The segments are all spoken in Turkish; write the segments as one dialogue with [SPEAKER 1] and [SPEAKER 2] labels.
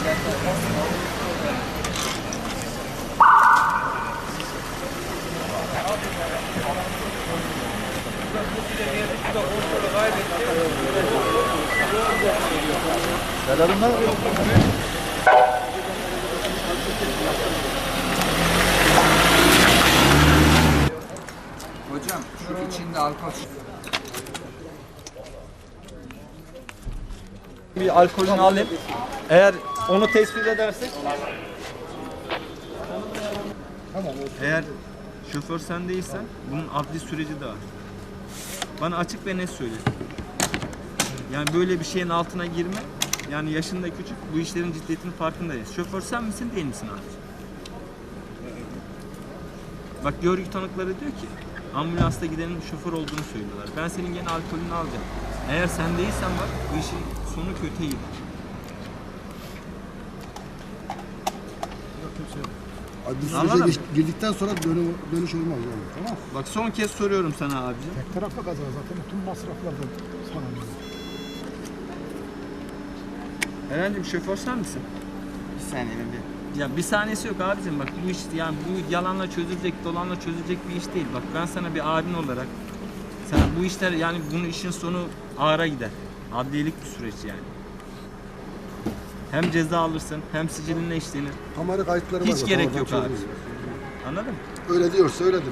[SPEAKER 1] Selamlar.
[SPEAKER 2] Hocam şu içinde alkol.
[SPEAKER 1] Bir alkolünü alayım. Eğer onu tespit edersek. Tamam. Eğer şoför sen değilsen bunun adli süreci de var. Bana açık ve net söyle. Yani böyle bir şeyin altına girme. Yani yaşında küçük, bu işlerin ciddiyetinin farkındayız. Şoför sen misin değil misin abi? Bak görgü tanıkları diyor ki ambulansta gidenin şoför olduğunu söylüyorlar. Ben senin gene alkolünü alacağım. Eğer sen değilsen bak bu işin sonu kötüye gider.
[SPEAKER 3] Abi biz sürece girdikten sonra dönüş olmaz yani. Tamam.
[SPEAKER 1] Bak son kez soruyorum sana abicim.
[SPEAKER 4] Tek taraflı kaza zaten tüm masraflardan sana.
[SPEAKER 1] Eren'cim şoför sen misin?
[SPEAKER 2] Bir saniye bir.
[SPEAKER 1] Ya bir saniyesi yok abicim, bak bu iş yani bu yalanla çözülecek, dolanla çözülecek bir iş değil. Bak ben sana bir abin olarak sana bu işler yani bunun işin sonu ağıra gider. Adliyelik bir süreç yani. Hem ceza alırsın hem sicilinle işlenir.
[SPEAKER 3] Kamera kayıtları var.
[SPEAKER 1] Hiç gerek yok abi.
[SPEAKER 3] çözülür.
[SPEAKER 1] Anladın mı?
[SPEAKER 3] Öyle diyorsa öyledir.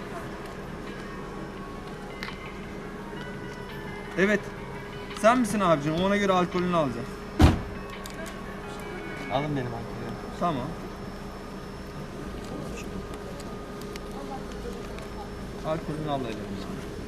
[SPEAKER 1] Evet. Sen misin abicim? Ona göre alkolünü alacağım.
[SPEAKER 2] Alın benim alkolümü.
[SPEAKER 1] Tamam. Alkolünü al elimizden.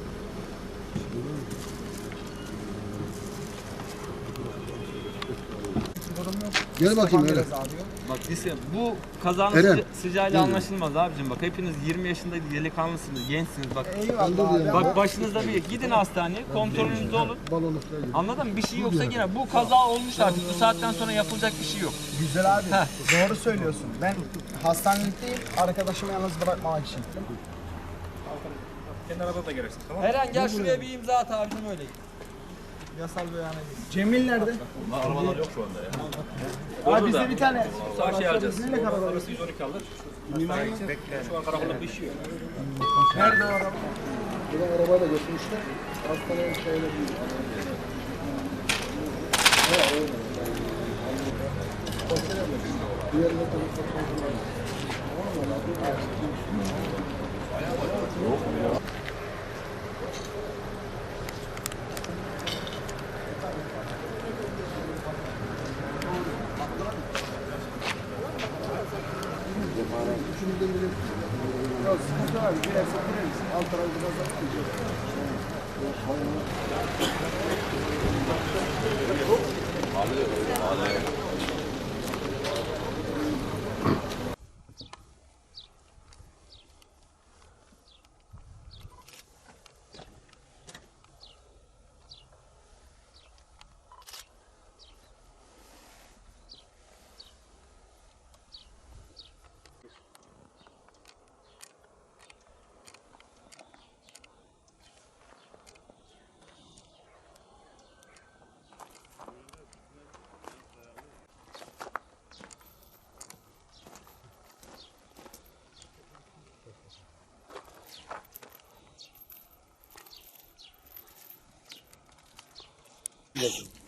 [SPEAKER 3] Gel bakayım öyle.
[SPEAKER 1] Bak lise, bu kazanın
[SPEAKER 3] Eren.
[SPEAKER 1] sıcağıyla anlaşılmaz abicim. Bak hepiniz 20 yaşında delikanlısınız, gençsiniz bak.
[SPEAKER 4] Eyvallah.
[SPEAKER 1] Bak başınızda bir gidin hastaneye, kontrolünüzde olun.
[SPEAKER 3] Balonluklar gibi.
[SPEAKER 1] Anladın mı? Bir şey yoksa yine bu kaza olmuş artık. Bu saatten sonra yapılacak bir şey yok.
[SPEAKER 4] Güzel abi. Doğru söylüyorsun. Ben hastanelikteyim. Arkadaşımı yalnız bırakmamak için.
[SPEAKER 5] Kendi arabada da gelirsin, tamam?
[SPEAKER 1] Eren gel şuraya bir imza at abicim, öyle git. Yasal beyana git.
[SPEAKER 4] Cemil nerede?
[SPEAKER 5] Arabalar yok şu anda ya.
[SPEAKER 4] Abi bizde bir tane.
[SPEAKER 5] Sağ şey alacağız.
[SPEAKER 4] Ne kadar var?
[SPEAKER 5] Orası 112 alır. Şu an karakolda pişiyor.
[SPEAKER 4] Nerede o araba?
[SPEAKER 3] Buradan arabayla götürmüşler. Hastaneye şeyle değil. Diğerine üçümüzden biri ya sıkıntı var. Girerse gireriz. Alt tarafı biraz daha
[SPEAKER 2] Bakın.